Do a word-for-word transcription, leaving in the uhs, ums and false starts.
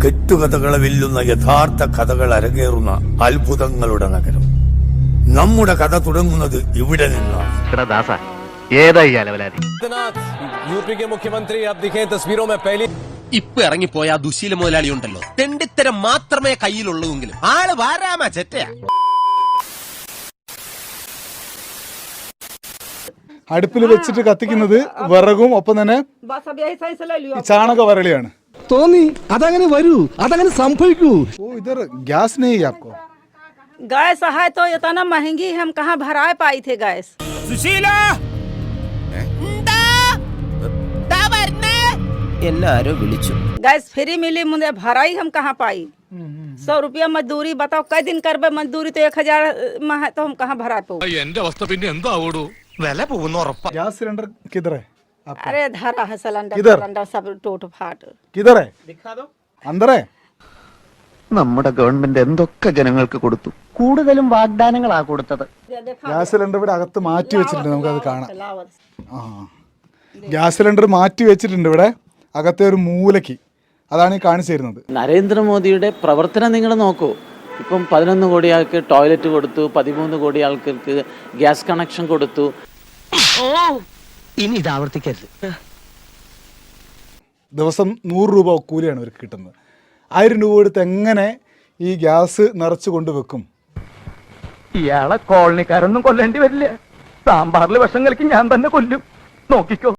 കെട്ടുകഥകളെ വെല്ലുന്ന യഥാർത്ഥ കഥകൾ അരങ്ങേറുന്ന അത്ഭുതങ്ങളുടെ നഗരം. നമ്മുടെ കഥ തുടങ്ങുന്നത് ഇവിടെ നിന്നാണ്. यूपी के मुख्यमंत्री अब दिखे तस्वीरों में पहली ഇപ്പൊ ഇറങ്ങിപ്പോയ ആ ദുശീല മുതലാളി ഉണ്ടല്ലോ, തെണ്ടിത്തരം മാത്രമേ കയ്യിലുള്ളൂവെങ്കിലും ആള് വാരാമ ചെറ്റയാ. അടുപ്പിൽ വെച്ചിട്ട് കത്തിക്കുന്നത് വിറകും ഒപ്പം തന്നെ ചാണക വരളിയാണ്. തോന്നി അതങ്ങനെ വരൂ, അതങ്ങനെ സംഭവിക്കൂ. ഓ ഇധർ ഗ്യാസ് नहीं है आपको? गैस है तो इतना महंगी हम कहाँ भरा पाई थे गैस. സുശീല എല്ലാരോ വിളിച്ചു. गैस फ्री मिली, मुझे भराई हम कहाँ पाई. सौ रुपया मजदूरी बताओ, कई दिन करबे मजदूरी तो एक हजार में है तो हम कहाँ भरा पाओ. गैस सिलेंडर किधर है आपका? अरे धरा है सिलेंडर, किधर? सिलेंडर सब टूट फाट. किधर है? दिखा दो. अंदर है. നമ്മുടെ ഗവൺമെന്റ് എന്തൊക്കെ ജനങ്ങൾക്ക് കൊടുത്തു, കൂടുതലും വാഗ്ദാനങ്ങളാ കൊടുത്തത്. ഗ്യാസ് സിലിണ്ടർ ഇവിടെ അകത്ത് മാറ്റി വെച്ചിട്ടുണ്ട്, നമുക്കത് കാണാം. ആ ഗ്യാസ് സിലിണ്ടർ മാറ്റി വെച്ചിട്ടുണ്ട് ഇവിടെ അകത്തെ ഒരു മൂലയ്ക്ക്. അതാണ് ഈ കാണിച്ചു തരുന്നത്. നരേന്ദ്രമോദിയുടെ പ്രവർത്തനം നിങ്ങൾ നോക്കൂ. ഇപ്പം പതിനൊന്ന് കോടി ആൾക്ക് ടോയ്ലറ്റ് കൊടുത്തു, പതിമൂന്ന് കോടി ആൾക്കാർക്ക് ഗ്യാസ് കണക്ഷൻ കൊടുത്തു. ഇനി ഇത് ആവർത്തിക്കരുത്. ദിവസം നൂറ് രൂപ കൂലിയാണ് ഇവർക്ക് കിട്ടുന്നത്. ആയിരം രൂപ എടുത്ത് എങ്ങനെ ഈ ഗ്യാസ് നിറച്ച് കൊണ്ടുവെക്കും? ഇയാളെ കോളനിക്കാരൊന്നും കൊല്ലേണ്ടി വരില്ല. സാമ്പാറിൽ വിഷം കലക്കി ഞാൻ തന്നെ കൊല്ലും, നോക്കിക്കോ.